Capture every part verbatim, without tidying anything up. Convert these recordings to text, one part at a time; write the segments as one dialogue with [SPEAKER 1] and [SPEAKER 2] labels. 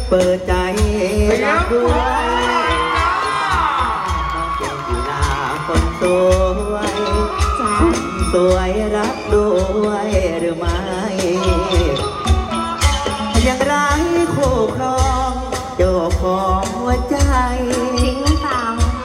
[SPEAKER 1] เปิดใจรักด้วยน้องเก่งกีฬาคนสวยคนสวยรักด้วยหรือไม่ยังไร้คู่ครองเจ้าของหัวใจ
[SPEAKER 2] จริงเปล่า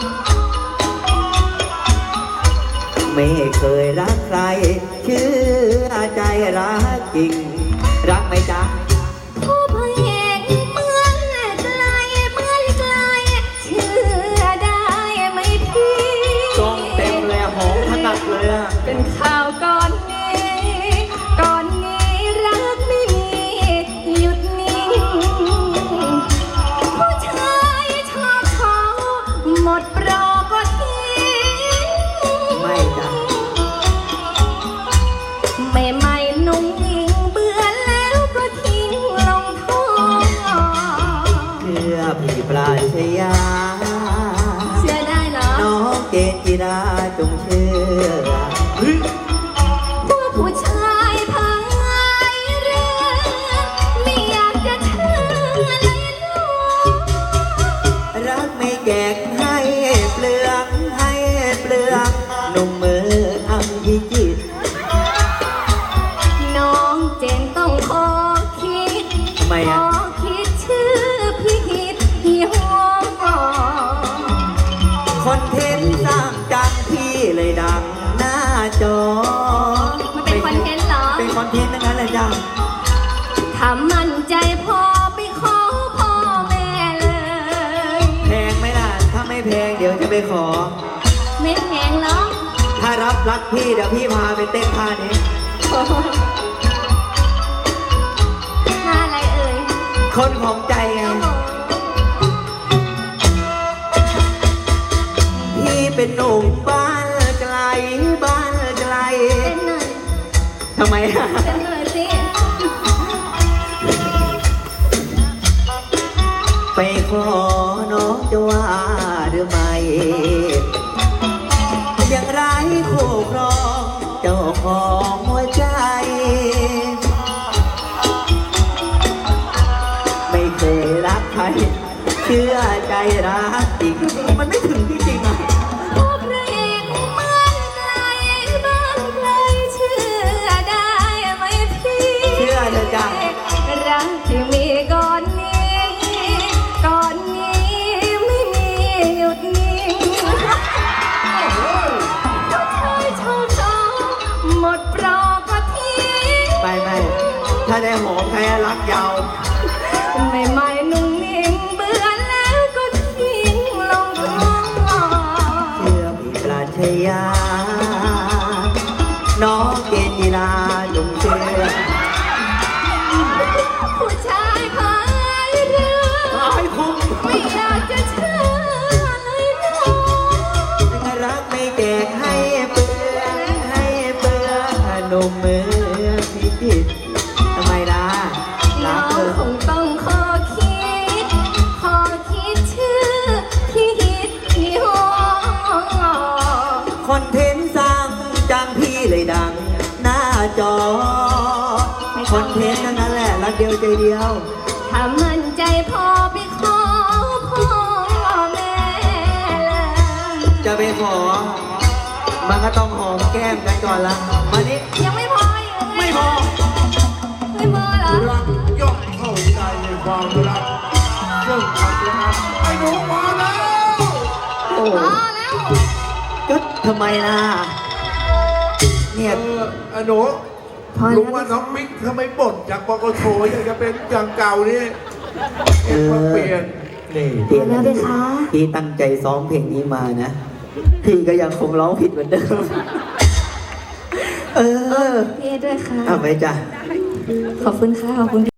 [SPEAKER 1] ไม่เคยรักใครเชื่อใจรักจริงรักไหมจ๊ะ
[SPEAKER 2] ผู้พเห็นเมืองไกลเมืองไกลเชื่อได้ไหมพี่
[SPEAKER 1] กองเต็มเลยหอมถนัดเลยอะ
[SPEAKER 2] เป็นข่าวก่อนนี้ก่อนนี้รักไม่มีหยุดนิ่งผู้ชายชอบเขาหมดโปรก็ทิ้ง
[SPEAKER 1] ไม่จ้ะ
[SPEAKER 2] ไม่ไม่นุ่งอิงเบื่อแล้วก็ทิ้งลงท่อ
[SPEAKER 1] เชื่อพี่ปราชญา
[SPEAKER 2] เชื่อได้เหรอ
[SPEAKER 1] น้องเกณฑ์กีฬาจงเชื่อ
[SPEAKER 2] พวกผู้ชายพังไงเรือไม่อยากจะเชื่อเลยลูก
[SPEAKER 1] รักไม่แจกให้เปลืองให้เปลืองหนุ่มมืออังพิจิต
[SPEAKER 2] น้องเจนต้องขอคิด
[SPEAKER 1] ทำไมอ่ะ
[SPEAKER 2] ขอคิดชื่อพี่ฮิตที่หัว
[SPEAKER 1] คอนเทนต์สร้างจังพี่เลยดังหน้าจอ
[SPEAKER 2] มันเป็นคอนเทนต์เหรอ
[SPEAKER 1] เป็นคอนเทนต์นั่นแหละจ้ะ
[SPEAKER 2] ถ้ามั่นใจพอไปขอพ่อแม่เลย
[SPEAKER 1] แพงไหมล่ะถ้าไม่แพงเดี๋ยวจะไปขอ
[SPEAKER 2] ไม่แพงหรอก
[SPEAKER 1] ถ้ารับรักพี่เดี๋ยวพี่พาไปเต้นท่านี้
[SPEAKER 2] ท่าอะไรเอ่ย
[SPEAKER 1] คนของใจไงพี่เป็นหนุ่มบ้านไกลบ้านไกล
[SPEAKER 2] เต้นหน่อย
[SPEAKER 1] ทำไมอ่ะ
[SPEAKER 2] เต้นหน่อยสิ
[SPEAKER 1] ไปขอน้องจะว่าหรือไม่ยังไร้คู่ครองเจ้าของหัวใจไม่เคยรักใครเชื่อใจรักจริงมันไม่ถึงจริงๆอ่ะ
[SPEAKER 2] พวกพระเอกเมืองไกลบ้านไกลเชื่อได้ไหมพี่
[SPEAKER 1] เชื่อเถอะจ้ะ
[SPEAKER 2] รักที่มีก่อนนี้ก่อนนี้ไม่มีหยุดนิ่งผู้ชายชอบชอบหมดโปรก็ทิ้ง
[SPEAKER 1] ไปไม่ถ้าได้หอมใครรักยาว
[SPEAKER 2] ไม่ไม่นุ่งนิ่งเบื่อแล้วก็ทิ้งลงท่อ
[SPEAKER 1] เชื่อพี่ปราชญาน้องเกณฑ์กีฬาจงเชื่อ
[SPEAKER 2] ผู้ชายพายเรือไม่อยากจะเชื่อเลยน้อง
[SPEAKER 1] รักไม่แจกให้เปลืองให้เปลืองหนุ่มมือพิจิตทำไมล่ะ
[SPEAKER 2] น้องคงต้องขอคิดขอคิดชื่อที่ฮิตที่หัว
[SPEAKER 1] คอนเทนต์สร้างจังพี่เลยดังหน้าจอคอนเทนต์นั้นแหละรักเดียวใจเดียว
[SPEAKER 2] ถ้ามั่นใจพอไปขอพ่อแม่เลย
[SPEAKER 1] จะไปขอมันก็ต้องหอมแก้มกันก่อนละมานี้
[SPEAKER 2] ยังไม่พออยู่
[SPEAKER 1] ไม่พอ
[SPEAKER 2] ไม่พอเหรอ
[SPEAKER 3] รักย่อมเข้าใจในความรักเรื่องความรักไอ้หนูมาแล้ว
[SPEAKER 1] โอ้
[SPEAKER 2] มาแล้ว
[SPEAKER 1] ก็ทำไมล่ะเนี่ย
[SPEAKER 3] ไอ้หนูลุงว่าน้องบิ๊กทำไมบ่นจากปกโชอยากจะเป็นอย่างเก่านี่เปลี่ยน
[SPEAKER 1] นี่เปลี่ยน
[SPEAKER 2] แล้วเลยคะ
[SPEAKER 1] พี่ตั้งใจซ้อมเพลงนี้มานะพี่ก็ยังคงร้องผิดเหมือนเดิมเออ
[SPEAKER 2] พี่ด้วยค่ะ
[SPEAKER 1] เอาไปจ้ะ
[SPEAKER 2] ขอบคุณค่ะขอบคุณ